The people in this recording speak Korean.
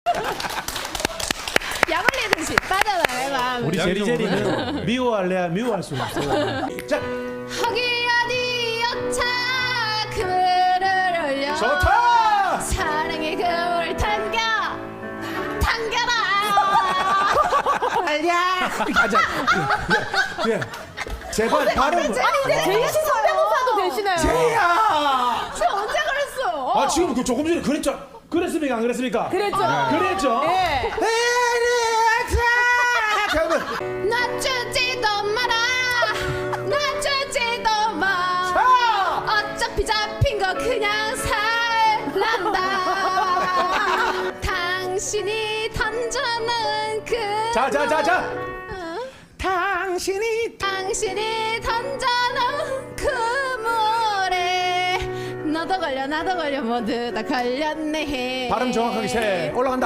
약올리듯이 빠져나가요 마음을. 우리 제리제리는 미워할래야 미워할 수가 없어요. 자, 허기 어디 여차 그물을 올려 좋다. 사랑의 그물을 당겨라 알야. 가자. 예. 제발 발음. 아니 근데 제이 씨 성대모사도 되시나요? 제야. 저 언제 그랬어? 아 지금 그 조금 전에 그랬습니까 안 그랬습니까? 그랬죠. 그랬죠. 예. 놔주지도 마라 놔주지도 마 어차피 잡힌 거 그냥 살란다 당신이 던져놓은 그 자자자자. 당신이 던져놓은 그 물에 너도 걸려 나도 걸려 모두 다 걸렸네. 발음 정확하게 세 올라간다.